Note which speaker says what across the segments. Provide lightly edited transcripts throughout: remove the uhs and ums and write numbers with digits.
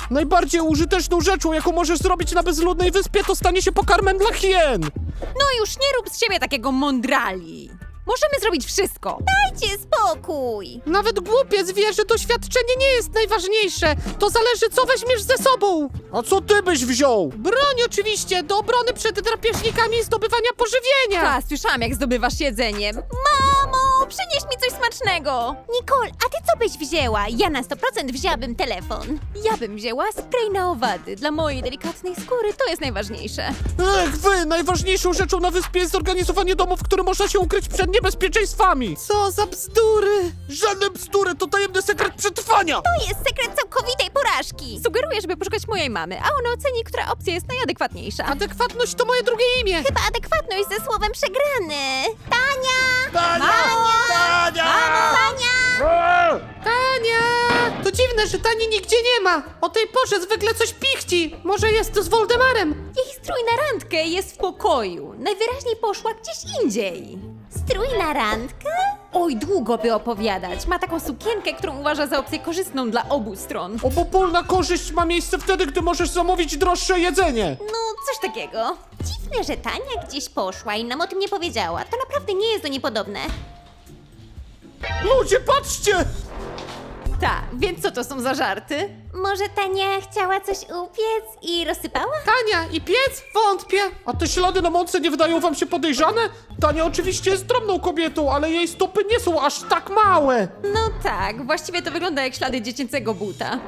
Speaker 1: Najbardziej użyteczną rzeczą, jaką możesz zrobić na bezludnej wyspie, to stanie się pokarmem dla hien.
Speaker 2: No już nie rób z siebie takiego mądrali. Możemy zrobić wszystko.
Speaker 3: Dajcie spokój!
Speaker 1: Nawet głupiec wie, że doświadczenie nie jest najważniejsze. To zależy, co weźmiesz ze sobą. A co ty byś wziął? Broń oczywiście, do obrony przed drapieżnikami i zdobywania pożywienia.
Speaker 2: Ta, słyszałam jak zdobywasz jedzenie.
Speaker 3: Mamo, przynieś mi coś smacznego! Nicole, a ty co byś wzięła? Ja na 100% wzięłabym telefon.
Speaker 2: Ja bym wzięła spray na owady. Dla mojej delikatnej skóry to jest najważniejsze.
Speaker 1: Ech, wy! Najważniejszą rzeczą na wyspie jest zorganizowanie domu, w którym można się ukryć przed niebezpieczeństwami. Co za bzdury! Żadne bzdury, to tajemny sekret przetrwania!
Speaker 3: To jest sekret całkowitej porażki!
Speaker 2: Sugeruję, żeby poszukać mojej mamy, a ona oceni, która opcja jest najadekwatniejsza.
Speaker 1: Adekwatność to moje drugie imię.
Speaker 3: Chyba adekwatność ze słowem przegrany. Tania!
Speaker 1: Tania! Tania!
Speaker 3: Tania!
Speaker 1: Tania! To dziwne, że Tani nigdzie nie ma. O tej porze zwykle coś pichci. Może jest z Woldemarem.
Speaker 2: Jej strój na randkę jest w pokoju. Najwyraźniej poszła gdzieś indziej.
Speaker 3: Strój na randkę?
Speaker 2: Oj, długo by opowiadać. Ma taką sukienkę, którą uważa za opcję korzystną dla obu stron.
Speaker 1: Obopólna korzyść ma miejsce wtedy, gdy możesz zamówić droższe jedzenie.
Speaker 2: No, coś takiego.
Speaker 3: Dziwne, że Tania gdzieś poszła i nam o tym nie powiedziała. To naprawdę nie jest do niej podobne.
Speaker 1: Ludzie, patrzcie!
Speaker 2: Tak, więc co to są za żarty?
Speaker 3: Może Tania chciała coś upiec i rozsypała?
Speaker 1: Tania i piec? Wątpię. A te ślady na mące nie wydają wam się podejrzane? Tania oczywiście jest drobną kobietą, ale jej stopy nie są aż tak małe.
Speaker 2: No tak, właściwie to wygląda jak ślady dziecięcego buta.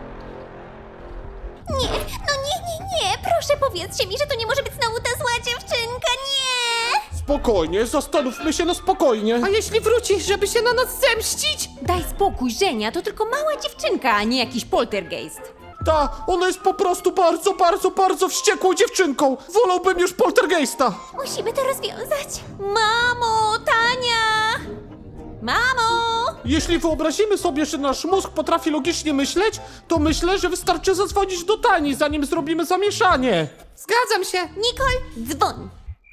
Speaker 3: Nie, no nie. Proszę powiedzcie mi, że to nie może być znowu ta zła dziewczynka, nie!
Speaker 1: Spokojnie, zastanówmy się na spokojnie. A jeśli wróci, żeby się na nas zemścić?
Speaker 2: Daj spokój, Żenia, to tylko mała dziewczynka, a nie jakiś poltergeist.
Speaker 1: Ta, ona jest po prostu bardzo wściekłą dziewczynką. Wolałbym już poltergeista.
Speaker 3: Musimy to rozwiązać.
Speaker 2: Mamo, Tania! Mamo!
Speaker 1: Jeśli wyobrazimy sobie, że nasz mózg potrafi logicznie myśleć, to myślę, że wystarczy zadzwonić do Tani, zanim zrobimy zamieszanie. Zgadzam się.
Speaker 3: Nicole, dzwoń.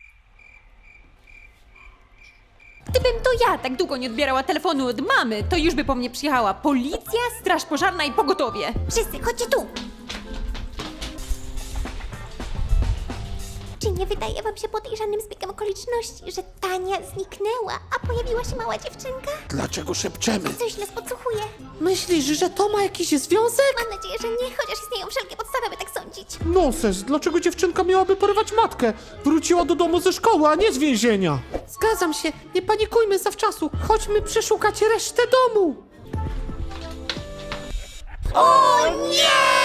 Speaker 2: Gdybym to ja tak długo nie odbierała telefonu od mamy, to już by po mnie przyjechała policja, straż pożarna i pogotowie.
Speaker 3: Wszyscy, chodźcie tu. Czy nie wydaje wam się podejrzanym zbiegiem okoliczności, że Tania zniknęła, a pojawiła się mała dziewczynka?
Speaker 1: Dlaczego szepczemy?
Speaker 3: Coś nas podsłuchuje.
Speaker 1: Myślisz, że to ma jakiś związek?
Speaker 3: Mam nadzieję, że nie, chociaż istnieją wszelkie podstawy, by tak sądzić.
Speaker 1: Nonsens, dlaczego dziewczynka miałaby porywać matkę? Wróciła do domu ze szkoły, a nie z więzienia. Zgadzam się, nie panikujmy zawczasu. Chodźmy przeszukać resztę domu.
Speaker 3: O nie!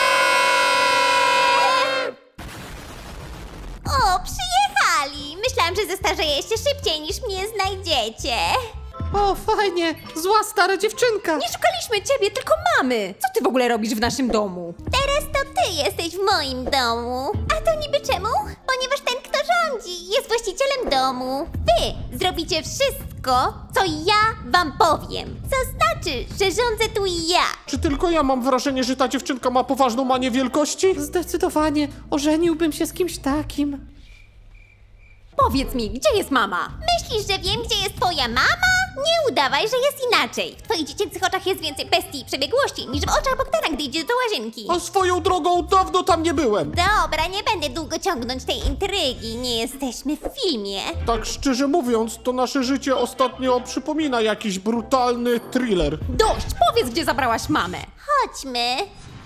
Speaker 3: O, przyjechali! Myślałam, że zestarzeję się szybciej niż mnie znajdziecie.
Speaker 1: O, fajnie, zła stara dziewczynka.
Speaker 2: Nie szukaliśmy ciebie, tylko mamy. Co ty w ogóle robisz w naszym domu?
Speaker 3: Teraz to ty jesteś w moim domu. A to niby czemu? Ponieważ ten, kto rządzi, jest właścicielem domu. Wy zrobicie wszystko, co ja wam powiem. Co znaczy, że rządzę tu ja.
Speaker 1: Czy tylko ja mam wrażenie, że ta dziewczynka ma poważną manię wielkości? Zdecydowanie, ożeniłbym się z kimś takim.
Speaker 2: Powiedz mi, gdzie jest mama?
Speaker 3: Myślisz, że wiem, gdzie jest twoja mama? Nie udawaj, że jest inaczej. W twoich dziecięcych oczach jest więcej bestii i przebiegłości niż w oczach Bogdana, gdy idzie do łazienki.
Speaker 1: A swoją drogą dawno tam nie byłem.
Speaker 3: Dobra, nie będę długo ciągnąć tej intrygi. Nie jesteśmy w filmie.
Speaker 1: Tak szczerze mówiąc, to nasze życie ostatnio przypomina jakiś brutalny thriller.
Speaker 2: Dość, powiedz, gdzie zabrałaś mamę.
Speaker 3: Chodźmy.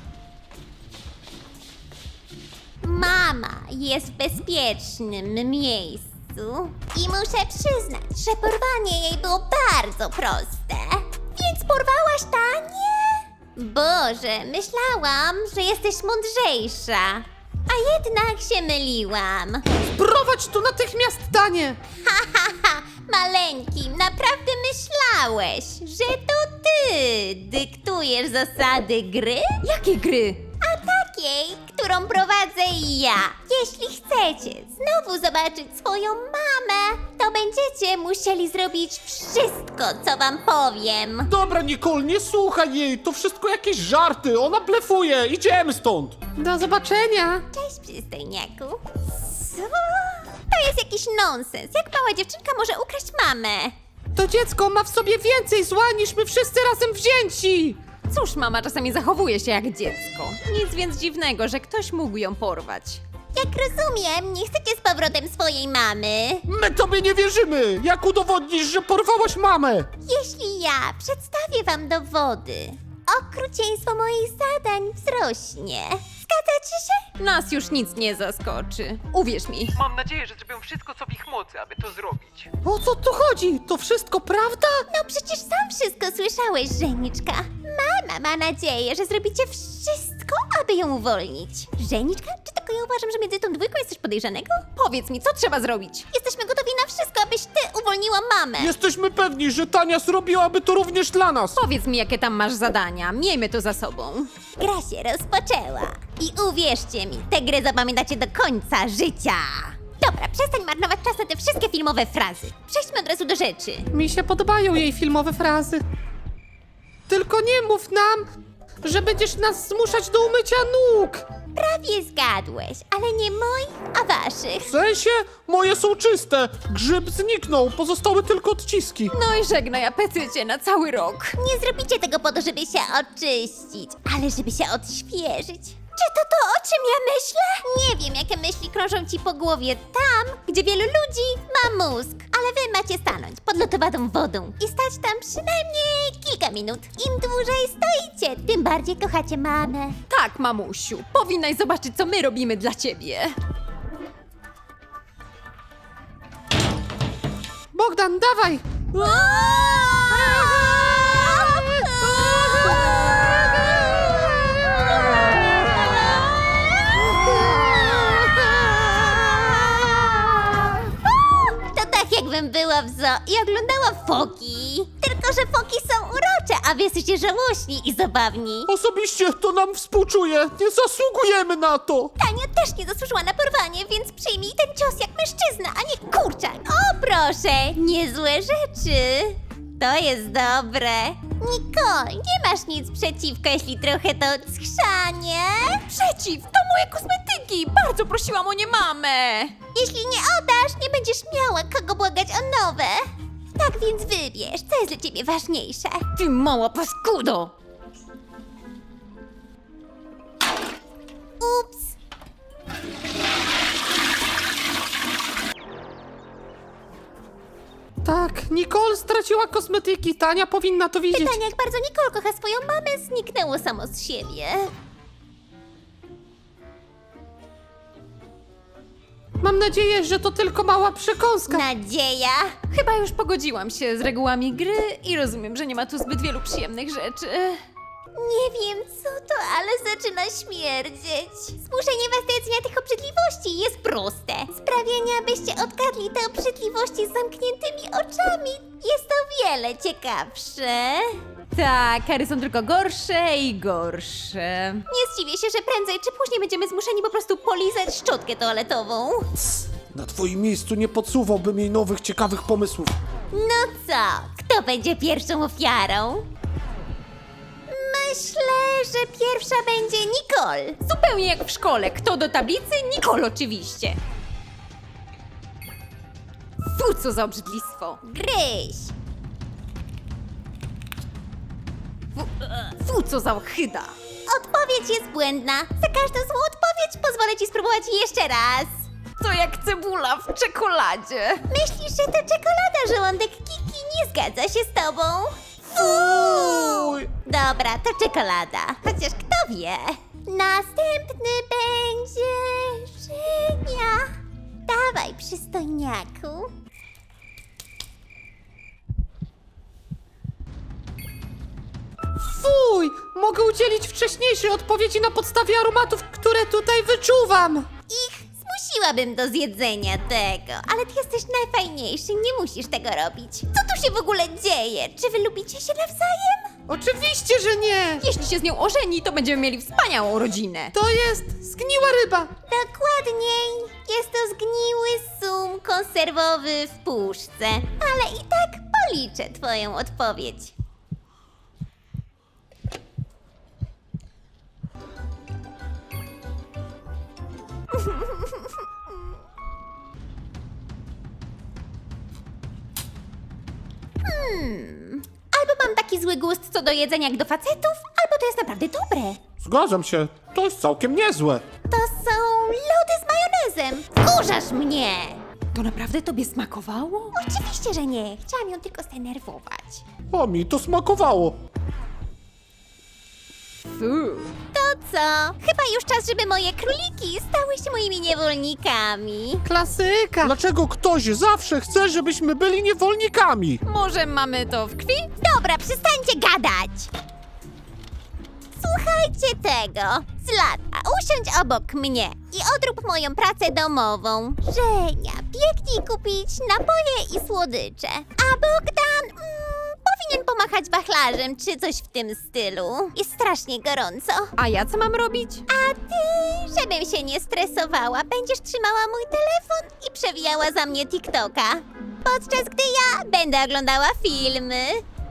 Speaker 3: Mama jest w bezpiecznym miejscu i muszę przyznać, że porwanie jej było bardzo proste. Więc porwałaś Tanię? Boże, myślałam, że jesteś mądrzejsza. A jednak się myliłam.
Speaker 1: Prowadź tu natychmiast, Tanie!
Speaker 3: Haha, maleńkim, naprawdę myślałeś, że to ty dyktujesz zasady gry?
Speaker 2: Jakie gry?
Speaker 3: A takiej, którą prowadzę ja. Jeśli chcecie znowu zobaczyć swoją mamę, to będziecie musieli zrobić wszystko, co wam powiem.
Speaker 1: Dobra, Nicole, nie słuchaj jej, to wszystko jakieś żarty, ona blefuje, idziemy stąd! Do zobaczenia!
Speaker 3: Cześć, przystojniaku. Co? To jest jakiś nonsens. Jak mała dziewczynka może ukraść mamę?
Speaker 1: To dziecko ma w sobie więcej zła niż my wszyscy razem wzięci!
Speaker 2: Cóż, mama czasami zachowuje się jak dziecko. Nic więc dziwnego, że ktoś mógł ją porwać.
Speaker 3: Jak rozumiem, nie chcecie z powrotem swojej mamy.
Speaker 1: My tobie nie wierzymy! Jak udowodnisz, że porwałaś mamę?
Speaker 3: Jeśli ja przedstawię wam dowody, okrucieństwo moich zadań wzrośnie. Zgadzacie się?
Speaker 2: Nas już nic nie zaskoczy. Uwierz mi.
Speaker 4: Mam nadzieję, że zrobią wszystko, co w ich mocy, aby to zrobić.
Speaker 1: O co tu chodzi? To wszystko prawda?
Speaker 3: No przecież sam wszystko słyszałeś, Żeniczka. Mama ma nadzieję, że zrobicie wszystko, aby ją uwolnić. Żeniczka? Czy tylko ja uważam, że między tą dwójką jest coś podejrzanego?
Speaker 2: Powiedz mi, co trzeba zrobić?
Speaker 3: Jesteśmy gotowi na wszystko, abyś ty uwolniła mamę.
Speaker 1: Jesteśmy pewni, że Tania zrobiłaby to również dla nas.
Speaker 2: Powiedz mi, jakie tam masz zadania. Miejmy to za sobą.
Speaker 3: Gra się rozpoczęła. I uwierzcie mi, tę grę zapamiętacie do końca życia. Dobra, przestań marnować czas na te wszystkie filmowe frazy. Przejdźmy od razu do rzeczy.
Speaker 1: Mi się podobają jej filmowe frazy. Tylko nie mów nam, że będziesz nas zmuszać do umycia nóg.
Speaker 3: Prawie zgadłeś, ale nie moich, a waszych.
Speaker 1: W sensie? Moje są czyste. Grzyb zniknął, pozostały tylko odciski.
Speaker 2: No i żegnaj apetycie na cały rok.
Speaker 3: Nie zrobicie tego po to, żeby się oczyścić, ale żeby się odświeżyć. Czy to, o czym ja myślę? Nie wiem, jakie myśli krążą ci po głowie tam, gdzie wielu ludzi ma mózg. Ale wy macie stanąć pod lodowadą wodą i stać tam przynajmniej kilka minut. Im dłużej stoicie, tym bardziej kochacie mamę.
Speaker 2: Tak, mamusiu. Powinnaś zobaczyć, co my robimy dla ciebie.
Speaker 1: Bogdan, dawaj!
Speaker 3: To tak jakbym była w zoo i oglądała foki. Tylko, że foki są urocze, a wy jesteście żałośni i zabawni.
Speaker 1: Osobiście to nam współczuje. Nie zasługujemy na to.
Speaker 3: Tania też nie zasłużyła na porwanie, więc przyjmij ten cios jak mężczyzna, a nie kurczak. O proszę, niezłe rzeczy. To jest dobre. Nicole, nie masz nic przeciwko, jeśli trochę to schrzanie?
Speaker 2: Przeciw, to moje kosmetyki. Bardzo prosiłam o nie mamę.
Speaker 3: Jeśli nie oddasz, nie będziesz miała kogo błagać o nowe. Tak więc wybierz, co jest dla ciebie ważniejsze.
Speaker 2: Ty mała paskudo.
Speaker 3: Ups.
Speaker 1: Tak, Nicole straciła kosmetyki. Tania powinna to widzieć.
Speaker 3: Pytanie, jak bardzo Nicole kocha swoją mamę, zniknęło samo z siebie.
Speaker 1: Mam nadzieję, że to tylko mała przekąska.
Speaker 3: Nadzieja.
Speaker 2: Chyba już pogodziłam się z regułami gry i rozumiem, że nie ma tu zbyt wielu przyjemnych rzeczy.
Speaker 3: Nie wiem co to, ale zaczyna śmierdzieć. Zmuszenie was do jedzenia tych obrzydliwości jest proste. Sprawianie, abyście odgadli te obrzydliwości z zamkniętymi oczami jest o wiele ciekawsze.
Speaker 2: Tak, kary są tylko gorsze i gorsze.
Speaker 3: Nie zdziwię się, że prędzej czy później będziemy zmuszeni po prostu polizać szczotkę toaletową.
Speaker 1: Na twoim miejscu nie podsuwałbym jej nowych, ciekawych pomysłów.
Speaker 3: No co, kto będzie pierwszą ofiarą? Myślę, że pierwsza będzie Nicole.
Speaker 2: Zupełnie jak w szkole. Kto do tablicy? Nicole oczywiście. Fu, co za obrzydlistwo.
Speaker 3: Gryź.
Speaker 2: Fu, co za ochyda.
Speaker 3: Odpowiedź jest błędna. Za każdą złą odpowiedź pozwolę ci spróbować jeszcze raz.
Speaker 2: To jak cebula w czekoladzie.
Speaker 3: Myślisz, że to czekolada, żołądek Kiki nie zgadza się z tobą?
Speaker 1: Fuj!
Speaker 3: Dobra, to czekolada. Chociaż kto wie? Następny będzie Żenia. Dawaj, przystojniaku.
Speaker 1: Fuj! Mogę udzielić wcześniejszej odpowiedzi na podstawie aromatów, które tutaj wyczuwam.
Speaker 3: Zmusiłabym do zjedzenia tego, ale ty jesteś najfajniejszy, nie musisz tego robić. Co tu się w ogóle dzieje? Czy wy lubicie się nawzajem?
Speaker 1: Oczywiście, że nie!
Speaker 2: Jeśli się z nią ożeni, to będziemy mieli wspaniałą rodzinę.
Speaker 1: To jest zgniła ryba.
Speaker 3: Dokładniej, jest to zgniły sum konserwowy w puszce, ale i tak policzę twoją odpowiedź. Albo mam taki zły gust co do jedzenia jak do facetów, naprawdę dobre.
Speaker 1: Zgadzam się, to jest całkiem niezłe.
Speaker 3: To są lody z majonezem. Wkurzasz mnie!
Speaker 2: To naprawdę tobie smakowało?
Speaker 3: Oczywiście, że nie. Chciałam ją tylko zdenerwować.
Speaker 1: A mi to smakowało.
Speaker 2: Fu.
Speaker 3: To co? Chyba już czas, żeby moje króliki stały się moimi niewolnikami.
Speaker 1: Klasyka. Dlaczego ktoś zawsze chce, żebyśmy byli niewolnikami?
Speaker 2: Może mamy to w krwi?
Speaker 3: Dobra, przestańcie gadać! Słuchajcie tego. Zlata, usiądź obok mnie i odrób moją pracę domową. Żenia, biegnij kupić napoje i słodycze. A Bogdan powinien pomachać wachlarzem czy coś w tym stylu. Jest strasznie gorąco.
Speaker 2: A ja co mam robić?
Speaker 3: A ty, żebym się nie stresowała, będziesz trzymała mój telefon i przewijała za mnie TikToka. Podczas gdy ja będę oglądała filmy.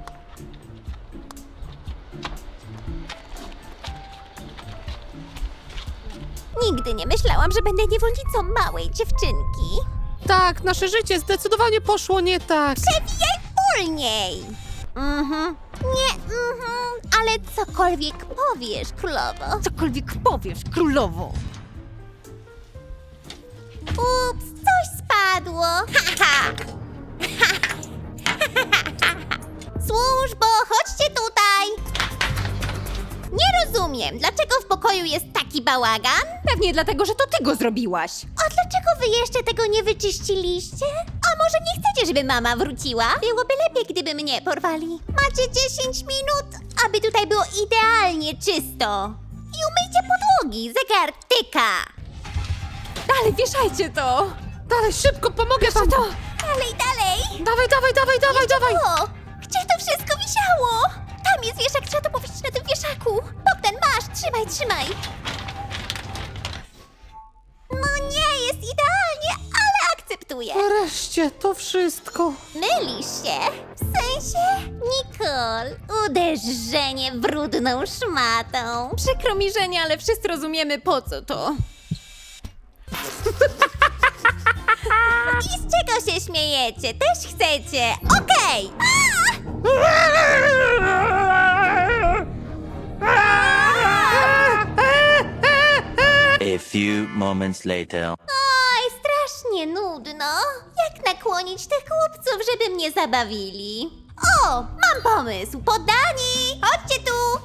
Speaker 3: Nigdy nie myślałam, że będę niewolnicą małej dziewczynki.
Speaker 1: Tak, nasze życie zdecydowanie poszło nie tak.
Speaker 3: Przewijaj wolniej! Nie, ale cokolwiek powiesz, królowo.
Speaker 2: Cokolwiek powiesz, królowo.
Speaker 3: Ups, coś spadło. Haha. Służbo, chodźcie tutaj. Nie rozumiem, dlaczego w pokoju jest taki bałagan?
Speaker 2: Pewnie dlatego, że to ty go zrobiłaś.
Speaker 3: A dlaczego wy jeszcze tego nie wyczyściliście? A może nie chcecie, żeby mama wróciła? Byłoby lepiej, gdyby mnie porwali. Macie 10 minut, aby tutaj było idealnie czysto. I umyjcie podłogi, zegar tyka.
Speaker 2: Dalej, wieszajcie to.
Speaker 1: Dalej, szybko, pomogę wam.
Speaker 3: Dalej, dalej.
Speaker 1: Dawaj.
Speaker 3: O, gdzie to wszystko wisiało? Tam jest wieszak, trzeba to powiesić na tym wieszaku. Bogdan, masz, trzymaj. No nie, jest idealnie, ale akceptuję.
Speaker 1: Wreszcie, to wszystko.
Speaker 3: Mylisz się? W sensie? Nicole, uderzenie brudną szmatą.
Speaker 2: Przykro mi, Żenia, ale wszyscy rozumiemy, po co to.
Speaker 3: I z czego się śmiejecie? Też chcecie? Okej!
Speaker 5: A few moments later.
Speaker 3: Oj, strasznie nudno. Jak nakłonić tych chłopców, żeby mnie zabawili? O, mam pomysł. Poddani! Chodźcie tu!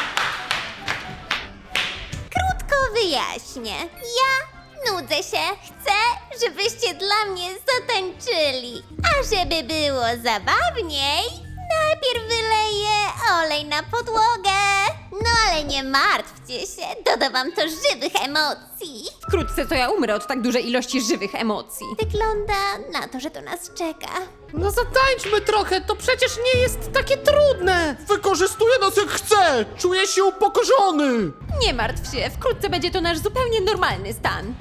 Speaker 3: Krótko wyjaśnię. Ja nudzę się. Chcę, żebyście dla mnie zatańczyli. A żeby było zabawniej, najpierw wyleję olej na podłogę. No ale nie martwcie się, doda wam to żywych emocji.
Speaker 2: Wkrótce to ja umrę od tak dużej ilości żywych emocji.
Speaker 3: Wygląda na to, że to nas czeka.
Speaker 1: No zatańczmy trochę, to przecież nie jest takie trudne. Wykorzystuje nas jak chce. Czuję się upokorzony.
Speaker 2: Nie martw się, wkrótce będzie to nasz zupełnie normalny stan.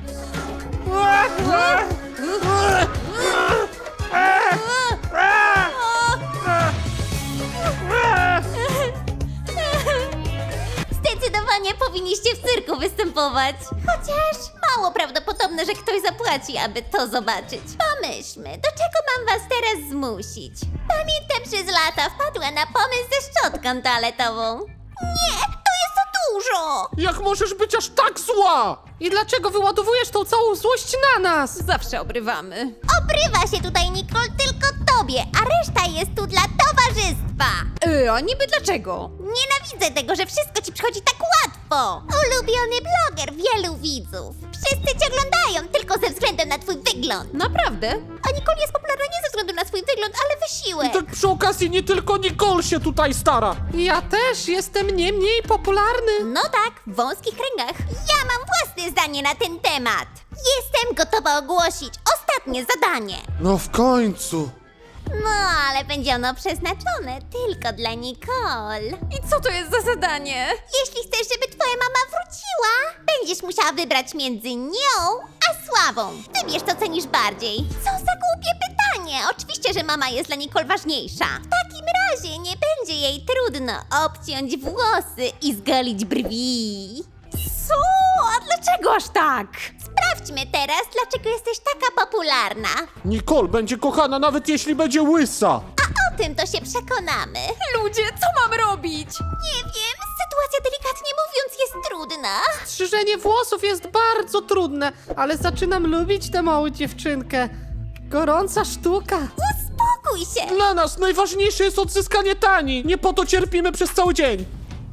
Speaker 3: Zdecydowanie powinniście w cyrku występować. Chociaż mało prawdopodobne, że ktoś zapłaci, aby to zobaczyć. Pomyślmy, do czego mam was teraz zmusić? Pamiętam, przez lata wpadła na pomysł ze szczotką toaletową. Nie, to jest za dużo!
Speaker 1: Jak możesz być aż tak zła? I dlaczego wyładowujesz tą całą złość na nas?
Speaker 2: Zawsze obrywamy.
Speaker 3: Obrywa się tutaj, Nicole, tylko tobie, a reszta jest tu dla towarzystwa.
Speaker 2: A niby dlaczego?
Speaker 3: Nienawidzę tego, że wszystko ci przychodzi tak łatwo. Ulubiony bloger, wielu widzów. Wszyscy cię oglądają tylko ze względu na twój wygląd.
Speaker 2: Naprawdę?
Speaker 3: A Nicole jest popularna nie ze względu na swój wygląd, ale wysiłek.
Speaker 1: Tak przy okazji nie tylko Nicole się tutaj stara. Ja też jestem nie mniej popularny.
Speaker 3: No tak, w wąskich kręgach. Ja mam własne zdanie na ten temat. Jestem gotowa ogłosić ostatnie zadanie.
Speaker 1: No w końcu.
Speaker 3: No, ale będzie ono przeznaczone tylko dla Nicole.
Speaker 2: I co to jest za zadanie?
Speaker 3: Jeśli chcesz, żeby twoja mama wróciła, będziesz musiała wybrać między nią a Sławą. Wybierz, co cenisz bardziej. Co za głupie pytanie. Oczywiście, że mama jest dla Nicole ważniejsza. W takim razie nie będzie jej trudno obciąć włosy i zgolić brwi.
Speaker 2: Co? A dlaczego aż tak?
Speaker 3: Sprawdźmy teraz, dlaczego jesteś taka popularna.
Speaker 1: Nicole będzie kochana nawet jeśli będzie łysa.
Speaker 3: A o tym to się przekonamy.
Speaker 2: Ludzie, co mam robić?
Speaker 3: Nie wiem, sytuacja sytuacja, delikatnie mówiąc, jest trudna.
Speaker 1: Strzyżenie włosów jest bardzo trudne, ale zaczynam lubić tę małą dziewczynkę. Gorąca sztuka.
Speaker 3: Uspokój się.
Speaker 1: Dla nas najważniejsze jest odzyskanie Tani. Nie po to cierpimy przez cały dzień.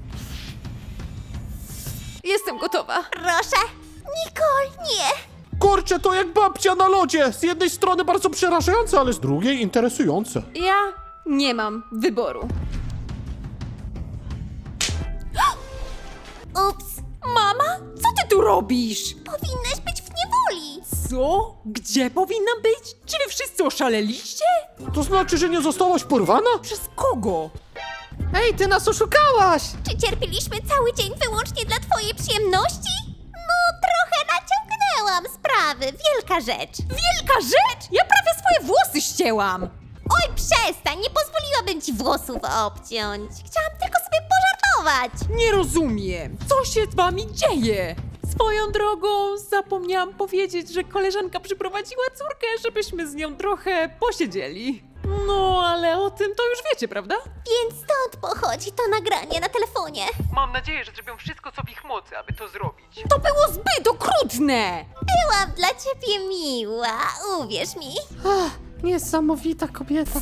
Speaker 2: Jestem gotowa.
Speaker 3: Proszę. Nicole, nie.
Speaker 1: Kurczę, to jak babcia na lodzie. Z jednej strony bardzo przerażające, ale z drugiej interesujące.
Speaker 2: Ja nie mam wyboru.
Speaker 3: Ups.
Speaker 2: Mama, co ty tu robisz?
Speaker 3: Powinnaś być w niewoli.
Speaker 2: Co? Gdzie powinnam być? Czy wy wszyscy oszaleliście?
Speaker 1: To znaczy, że nie zostałaś porwana?
Speaker 2: Przez kogo?
Speaker 1: Ej, ty nas oszukałaś!
Speaker 3: Czy cierpieliśmy cały dzień wyłącznie dla twojej przyjemności? No, trochę naciągnęłam sprawy. Wielka rzecz.
Speaker 2: Wielka rzecz! Ja prawie swoje włosy ścięłam!
Speaker 3: Oj, przestań, nie pozwoliłabym ci włosów obciąć. Chciałam tylko sobie pożartować.
Speaker 2: Nie rozumiem, co się z wami dzieje? Swoją drogą zapomniałam powiedzieć, że koleżanka przyprowadziła córkę, żebyśmy z nią trochę posiedzieli. No, ale o tym to już wiecie, prawda?
Speaker 3: Więc stąd pochodzi to nagranie na telefonie.
Speaker 4: Mam nadzieję, że zrobią wszystko, co w ich mocy, aby to zrobić.
Speaker 2: To było zbyt okrutne!
Speaker 3: Byłam dla ciebie miła, uwierz mi.
Speaker 1: Ach, niesamowita kobieta.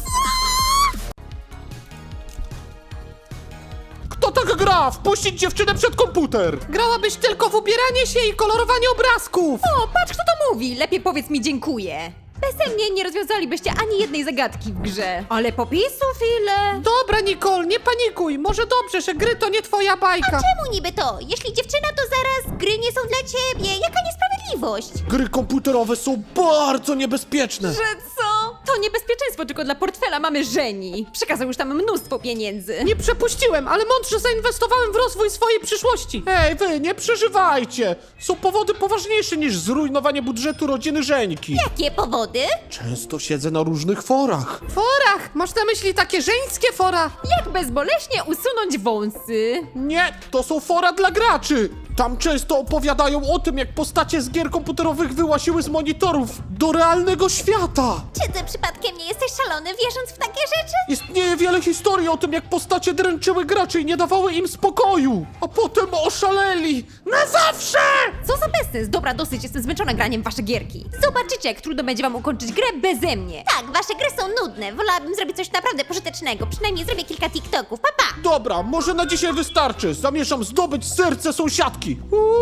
Speaker 1: Kto tak gra? Wpuścić dziewczynę przed komputer! Grałabyś tylko w ubieranie się i kolorowanie obrazków!
Speaker 2: O, patrz kto to mówi! Lepiej powiedz mi dziękuję. Beze mnie nie rozwiązalibyście ani jednej zagadki w grze. Ale popisów ile?
Speaker 1: Dobra, Nicole, nie panikuj. Może dobrze, że gry to nie twoja bajka.
Speaker 3: Czemu niby to? Jeśli dziewczyna, to zaraz gry nie są dla ciebie. Jaka niesprawiedliwość?
Speaker 1: Gry komputerowe są bardzo niebezpieczne.
Speaker 2: Że co? To niebezpieczeństwo tylko dla portfela mamy żeni. Przekazał już tam mnóstwo pieniędzy.
Speaker 1: Nie przepuściłem, ale mądrze zainwestowałem w rozwój swojej przyszłości. Ej, wy, nie przeżywajcie. Są powody poważniejsze niż zrujnowanie budżetu rodziny Żeńki.
Speaker 3: Jakie powody?
Speaker 1: Często siedzę na różnych forach. Forach? Masz na myśli takie żeńskie fora?
Speaker 2: Jak bezboleśnie usunąć wąsy?
Speaker 1: Nie, to są fora dla graczy. Tam często opowiadają o tym, jak postacie z gier komputerowych wyłasiły z monitorów do realnego świata.
Speaker 3: Czy ty przypadkiem nie jesteś szalony, wierząc w takie rzeczy?
Speaker 1: Istnieje wiele historii o tym, jak postacie dręczyły graczy i nie dawały im spokoju. A potem oszaleli. Na zawsze!
Speaker 2: Co za bezsens? Dobra, dosyć, jestem zmęczona graniem w wasze gierki. Zobaczycie, jak trudno będzie wam ukończyć grę beze mnie.
Speaker 3: Tak, wasze gry są nudne. Wolałabym zrobić coś naprawdę pożytecznego. Przynajmniej zrobię kilka TikToków. Pa, pa!
Speaker 1: Dobra, może na dzisiaj wystarczy. Zamierzam zdobyć serce sąsiadki.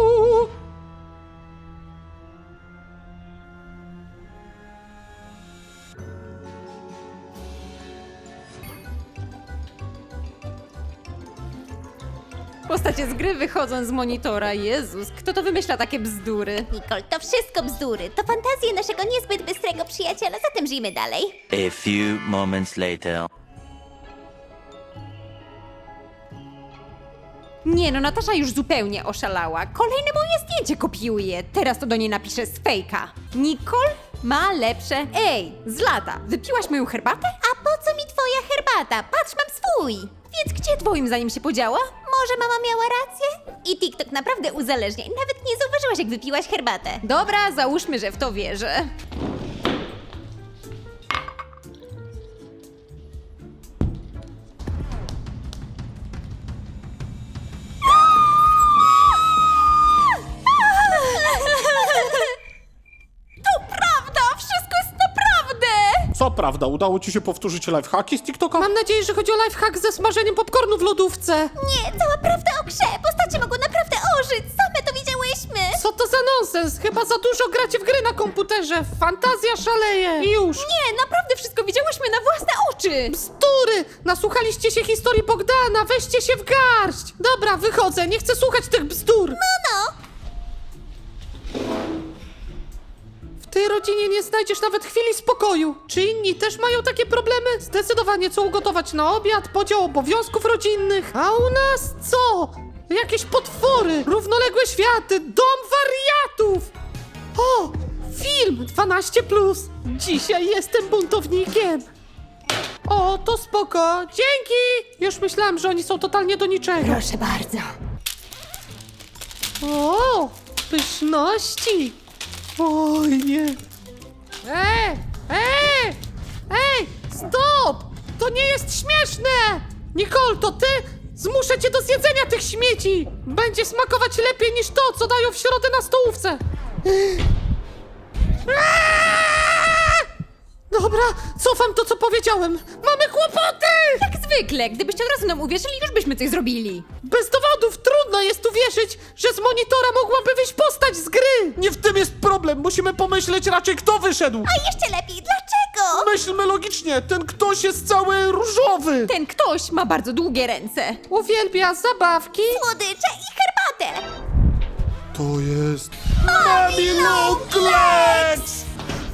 Speaker 2: Postacie z gry wychodzą z monitora. Jezus, kto to wymyśla takie bzdury?
Speaker 3: Nicole, to wszystko bzdury. To fantazje naszego niezbyt bystrego przyjaciela, zatem żyjmy dalej.
Speaker 5: A few moments later.
Speaker 2: Nie no, Natasza już zupełnie oszalała. Kolejne moje zdjęcie kopiuje. Teraz to do niej napiszę z fejka. Nicole ma lepsze. Ej, z lata, wypiłaś moją herbatę?
Speaker 3: A po co mi twoja herbata? Patrz, mam swój.
Speaker 2: Więc gdzie twoim zdaniem się podziała?
Speaker 3: Może mama miała rację? I TikTok naprawdę uzależnia i nawet nie zauważyłaś, jak wypiłaś herbatę.
Speaker 2: Dobra, załóżmy, że w to wierzę. To prawda! Wszystko jest naprawdę!
Speaker 1: Co prawda, udało ci się powtórzyć lifehacki z TikToka? Mam nadzieję, że chodzi o lifehack ze smażeniem popcornu w lodówce.
Speaker 3: Nie, cała prawda o grze. Postacie mogą naprawdę ożyć. Same to widziałyśmy.
Speaker 1: Co to za nonsens? Chyba za dużo gracie w gry na komputerze. Fantazja szaleje. I już.
Speaker 2: Nie, naprawdę wszystko widziałyśmy na własne oczy!
Speaker 1: Bzdury! Nasłuchaliście się historii Bogdana. Weźcie się w garść. Dobra, wychodzę. Nie chcę słuchać tych bzdur.
Speaker 3: No,
Speaker 1: W tej rodzinie nie znajdziesz nawet chwili spokoju. Czy inni też mają takie problemy? Zdecydowanie co ugotować na obiad, podział obowiązków rodzinnych. A u nas co? Jakieś potwory, równoległe światy, dom wariatów. O, film 12+. Dzisiaj jestem buntownikiem. O, to spoko. Dzięki. Już myślałam, że oni są totalnie do niczego.
Speaker 2: Proszę bardzo.
Speaker 1: O, pyszności. Oj, nie. Ej, stop! To nie jest śmieszne! Nicole, to ty? Zmuszę cię do zjedzenia tych śmieci! Będzie smakować lepiej niż to, co dają w środę na stołówce! Dobra, cofam to, co powiedziałem! Mamy kłopoty!
Speaker 2: Jak zwykle, gdybyście od razu nam uwierzyli, już byśmy coś zrobili.
Speaker 1: Bez dowodów trudno jest uwierzyć, że z monitora mogłaby wyjść postać z gry!
Speaker 6: Nie w tym jest problem, musimy pomyśleć raczej kto wyszedł.
Speaker 3: A jeszcze lepiej, dlaczego?
Speaker 6: Myślmy logicznie, ten ktoś jest cały różowy.
Speaker 2: Ten ktoś ma bardzo długie ręce.
Speaker 1: Uwielbia zabawki.
Speaker 3: Słodycze i herbatę!
Speaker 6: To jest... Mami Longlegs!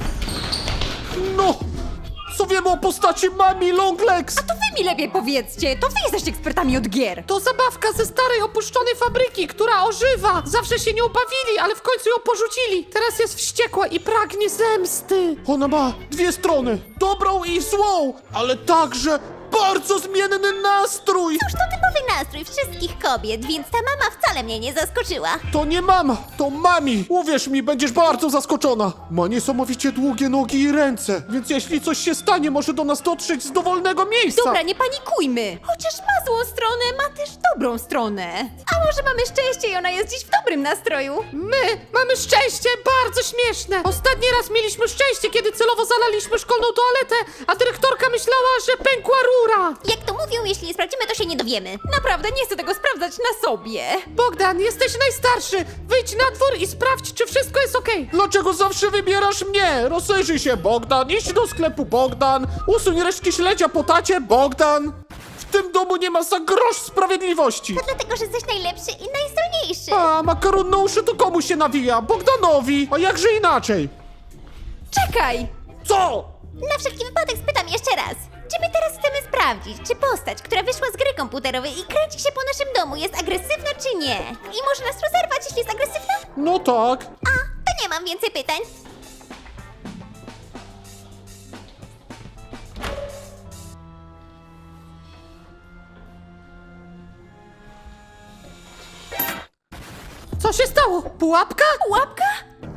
Speaker 6: No, co wiemy o postaci Mami Longlegs?
Speaker 2: To wy mi lepiej powiedzcie, to wy jesteście ekspertami od gier.
Speaker 1: To zabawka ze starej, opuszczonej fabryki, która ożywa. Zawsze się nią bawili, ale w końcu ją porzucili. Teraz jest wściekła i pragnie zemsty.
Speaker 6: Ona ma dwie strony, dobrą i złą, ale także bardzo zmienny nastrój.
Speaker 3: Cóż, to typowy nastrój wszystkich kobiet, więc ta mama wcale mnie nie zaskoczyła.
Speaker 6: To nie mama, to mami. Uwierz mi, będziesz bardzo zaskoczona. Ma niesamowicie długie nogi i ręce, więc jeśli coś się stanie, może do nas dotrzeć z dowolnego miejsca.
Speaker 2: Dobra, nie panikujmy. Chociaż ma złą stronę, ma też dobrą stronę. A może mamy szczęście i ona jest dziś w dobrym nastroju?
Speaker 1: My mamy szczęście, bardzo śmieszne. Ostatni raz mieliśmy szczęście, kiedy celowo zalaliśmy szkolną toaletę, a dyrektorka myślała, że pękła rura.
Speaker 3: Jak to mówią, jeśli nie sprawdzimy, to się nie dowiemy.
Speaker 2: Naprawdę nie chcę tego sprawdzać na sobie.
Speaker 1: Bogdan, jesteś najstarszy. Wyjdź na dwór i sprawdź, czy wszystko jest okej.
Speaker 6: Dlaczego zawsze wybierasz mnie? Rozejrzyj się, Bogdan, idź do sklepu, Bogdan. Usuń resztki śledzia po tacie, Bogdan. W tym domu nie ma za grosz sprawiedliwości.
Speaker 3: Dlatego, że jesteś najlepszy i najzdolniejszy.
Speaker 6: A makaron na uszy to komu się nawija? Bogdanowi, a jakże inaczej?
Speaker 2: Czekaj!
Speaker 6: Co?
Speaker 3: Na wszelki wypadek spytam jeszcze raz. Czy my teraz chcemy sprawdzić, czy postać, która wyszła z gry komputerowej i kręci się po naszym domu, jest agresywna czy nie? I może nas rozerwać, jeśli jest agresywna?
Speaker 6: No tak.
Speaker 3: A, to nie mam więcej pytań.
Speaker 1: Co się stało? Pułapka?
Speaker 2: Łapka?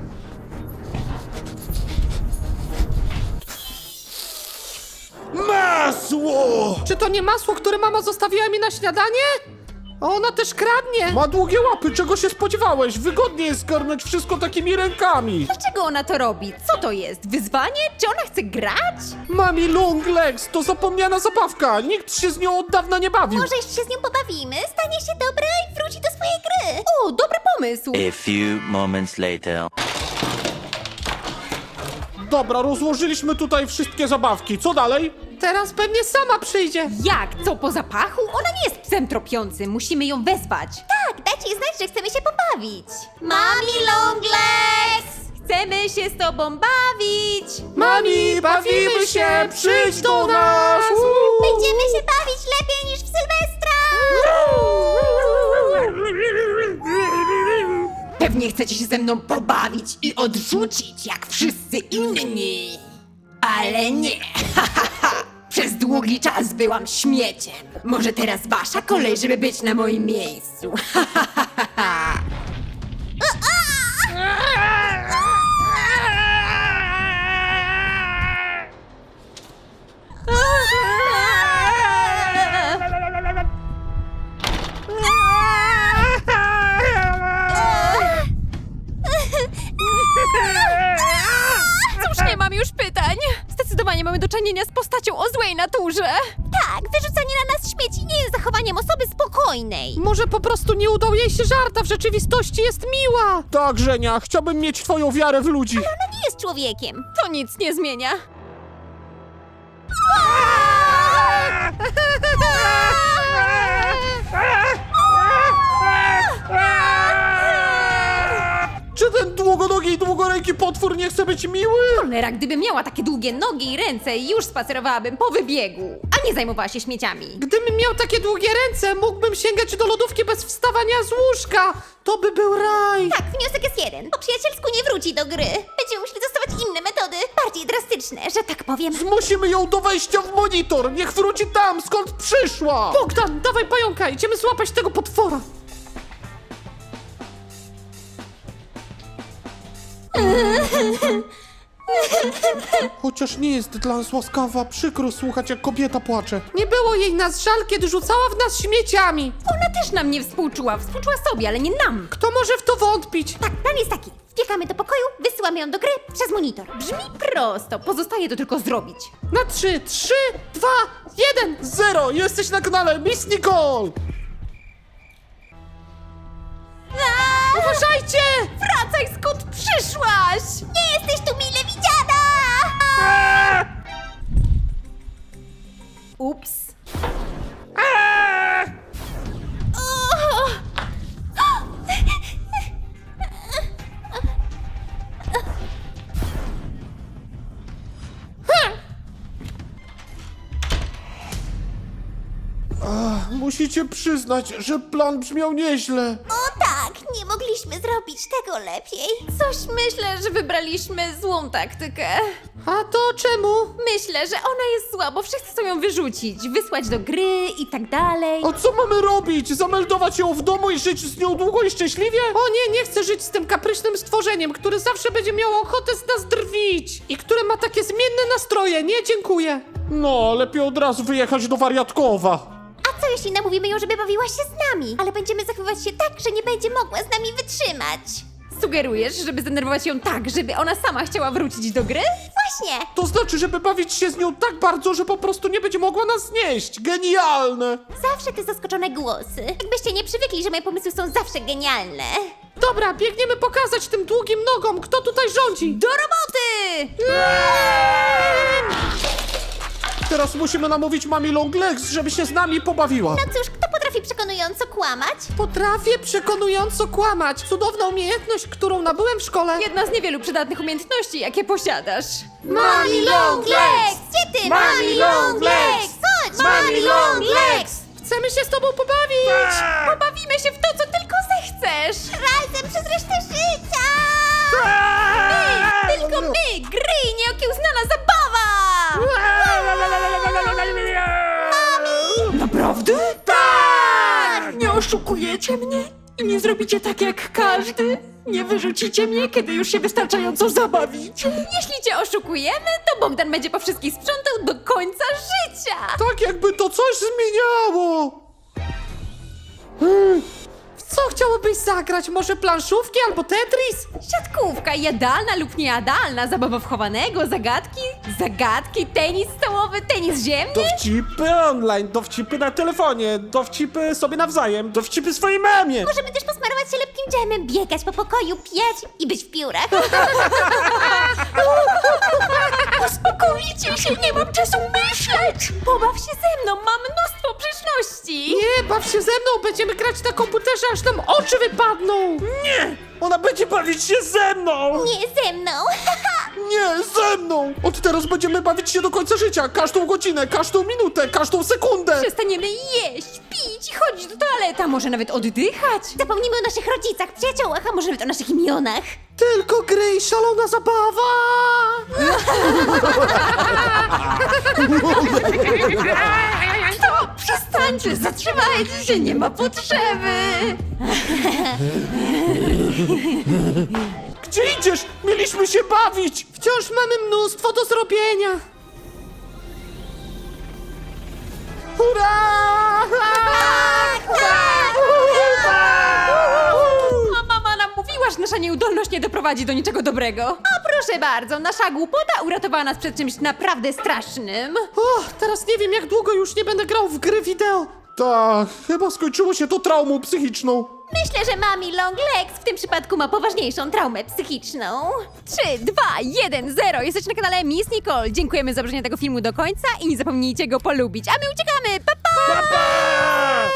Speaker 6: Masło!
Speaker 1: Czy to nie masło, które mama zostawiła mi na śniadanie? Ona też kradnie.
Speaker 6: Ma długie łapy, czego się spodziewałeś? Wygodnie jest zgarnąć wszystko takimi rękami.
Speaker 2: Dlaczego ona to robi? Co to jest? Wyzwanie? Czy ona chce grać?
Speaker 6: Mami Longlegs to zapomniana zabawka. Nikt się z nią od dawna nie bawił.
Speaker 3: Może jeszcze się z nią pobawimy, stanie się dobra i wróci do swojej gry.
Speaker 2: O, dobry pomysł!
Speaker 5: A few moments later.
Speaker 6: Dobra, rozłożyliśmy tutaj wszystkie zabawki. Co dalej?
Speaker 1: Teraz pewnie sama przyjdzie.
Speaker 2: Jak? Co, po zapachu? Ona nie jest psem tropiącym, musimy ją wezwać.
Speaker 3: Tak, dajcie jej znać, że chcemy się pobawić. Mami Longlegs!
Speaker 2: Chcemy się z tobą bawić!
Speaker 6: Mami, bawimy się! Przyjdź do nas!
Speaker 3: Będziemy się bawić lepiej niż w Sylwestra!
Speaker 2: Pewnie chcecie się ze mną pobawić i odrzucić jak wszyscy inni. Ale nie. Przez długi czas byłam śmieciem. Może teraz wasza kolej, żeby być na moim miejscu. Cóż, nie mam już pytań. Zdecydowanie mamy do czynienia z postacią o złej naturze.
Speaker 3: Tak, wyrzucanie na nas śmieci nie jest zachowaniem osoby spokojnej.
Speaker 1: Może po prostu nie udał jej się żart, a w rzeczywistości jest miła.
Speaker 6: Tak, Żenia, chciałbym mieć twoją wiarę w ludzi.
Speaker 3: Ona nie jest człowiekiem.
Speaker 2: To nic nie zmienia.
Speaker 6: Czy ten długonogi i długoręki potwór nie chce być miły?
Speaker 2: Cholera, gdybym miała takie długie nogi i ręce, już spacerowałabym po wybiegu, a nie zajmowała się śmieciami.
Speaker 1: Gdybym miał takie długie ręce, mógłbym sięgać do lodówki bez wstawania z łóżka. To by był raj.
Speaker 3: Tak, wniosek jest jeden. Po przyjacielsku nie wróci do gry. Będziemy musieli zastosować inne metody, bardziej drastyczne, że tak powiem.
Speaker 6: Zmusimy ją do wejścia w monitor. Niech wróci tam, skąd przyszła.
Speaker 1: Bogdan, dawaj pająka, idziemy złapać tego potwora.
Speaker 6: Chociaż nie jest dla nas łaskawa, przykro słuchać, jak kobieta płacze.
Speaker 1: Nie było jej nas żal, kiedy rzucała w nas śmieciami.
Speaker 2: Ona też nam nie współczuła sobie, ale nie nam.
Speaker 1: Kto może w to wątpić?
Speaker 3: Tak, plan jest taki. Wbiegamy do pokoju, wysyłamy ją do gry przez monitor.
Speaker 2: Brzmi prosto, pozostaje to tylko zrobić.
Speaker 1: Na 3, 3, 2, 1.
Speaker 6: 0! Jesteś na kanale Miss Nicole!
Speaker 1: Uważajcie!
Speaker 2: Wracaj, skąd przyszłaś!
Speaker 3: Nie jesteś tu mile widziana!
Speaker 2: Ups.
Speaker 6: Musicie przyznać, że plan brzmiał nieźle.
Speaker 3: O tak, nie mogliśmy zrobić tego lepiej.
Speaker 2: Coś myślę, że wybraliśmy złą taktykę.
Speaker 1: A to czemu?
Speaker 2: Myślę, że ona jest zła, bo wszyscy chcą ją wyrzucić, wysłać do gry i tak dalej.
Speaker 6: A co mamy robić? Zameldować ją w domu i żyć z nią długo i szczęśliwie?
Speaker 1: O nie, nie chcę żyć z tym kapryśnym stworzeniem, które zawsze będzie miało ochotę z nas drwić i które ma takie zmienne nastroje. Nie, dziękuję.
Speaker 6: No, lepiej od razu wyjechać do wariatkowa.
Speaker 3: A co jeśli namówimy ją, żeby bawiła się z nami? Ale będziemy zachowywać się tak, że nie będzie mogła z nami wytrzymać.
Speaker 2: Sugerujesz, żeby zdenerwować ją tak, żeby ona sama chciała wrócić do gry?
Speaker 3: Właśnie.
Speaker 6: To znaczy, żeby bawić się z nią tak bardzo, że po prostu nie będzie mogła nas znieść. Genialne!
Speaker 3: Zawsze te zaskoczone głosy. Jakbyście nie przywykli, że moje pomysły są zawsze genialne.
Speaker 1: Dobra, biegniemy pokazać tym długim nogom, kto tutaj rządzi.
Speaker 2: Do roboty!
Speaker 6: Teraz musimy namówić mami Longlegs, żeby się z nami pobawiła.
Speaker 3: No cóż, kto potrafi przekonująco kłamać?
Speaker 1: Potrafię przekonująco kłamać. Cudowna umiejętność, którą nabyłem w szkole.
Speaker 2: Jedna z niewielu przydatnych umiejętności, jakie posiadasz.
Speaker 1: Mami
Speaker 3: Longlegs! Gdzie ty, Mami Longlegs? Chodź, Mami Longlegs!
Speaker 1: Chcemy się z tobą pobawić.
Speaker 2: Pobawimy się w to, co tylko zechcesz!
Speaker 3: Razem przez resztę życia!
Speaker 2: Tylko my, gry i nieokiełznana zabawa! Naprawdę? Tak! Nie oszukujecie mnie? I nie zrobicie tak jak każdy? Nie wyrzucicie mnie, kiedy już się wystarczająco zabawicie? Jeśli cię oszukujemy, to Bogdan będzie po wszystkich sprzątał do końca życia!
Speaker 6: Tak jakby to coś zmieniało.
Speaker 1: W co chciałobyś zagrać? Może planszówki albo Tetris?
Speaker 2: Siatkówka, jadalna lub niejadalna, zabawa wchowanego, zagadki, tenis stołowy, tenis ziemny?
Speaker 6: Dowcipy online, dowcipy na telefonie, dowcipy sobie nawzajem, dowcipy swojej mamie.
Speaker 3: Możemy też posmarować się lepkim dżemem, biegać po pokoju, pijać i być w piórach.
Speaker 2: Uspokójcie się, nie mam czasu myśleć! Pobaw się ze mną, mam mnóstwo grzeczności!
Speaker 1: Nie, baw się ze mną, będziemy grać na komputerze, aż nam oczy wypadną.
Speaker 6: Ona będzie bawić się ze mną!
Speaker 3: Nie ze mną.
Speaker 6: Nie, ze mną! Od teraz będziemy bawić się do końca życia, każdą godzinę, każdą minutę, każdą sekundę!
Speaker 2: Przestaniemy jeść, pić i chodzić do toalety, a może nawet oddychać?
Speaker 3: Zapomnimy o naszych rodzicach, przyjaciołach, a może nawet o naszych imionach.
Speaker 1: Tylko gry i szalona zabawa.
Speaker 2: To przestańcie, zatrzymajcie się, nie ma potrzeby!
Speaker 6: Gdzie idziesz? Mieliśmy się bawić!
Speaker 1: Wciąż mamy mnóstwo do zrobienia.
Speaker 6: Hurra!
Speaker 2: A mama nam mówiła, że nasza nieudolność nie doprowadzi do niczego dobrego. A proszę bardzo, nasza głupota uratowała nas przed czymś naprawdę strasznym.
Speaker 1: O, teraz nie wiem, jak długo już nie będę grał w gry wideo.
Speaker 6: Tak, chyba skończyło się to traumą psychiczną.
Speaker 3: Myślę, że Mami Longlegs w tym przypadku ma poważniejszą traumę psychiczną.
Speaker 2: 3, 2, 1, 0. Jesteś na kanale Miss Nicole. Dziękujemy za obejrzenie tego filmu do końca i nie zapomnijcie go polubić. A my uciekamy. Pa, pa!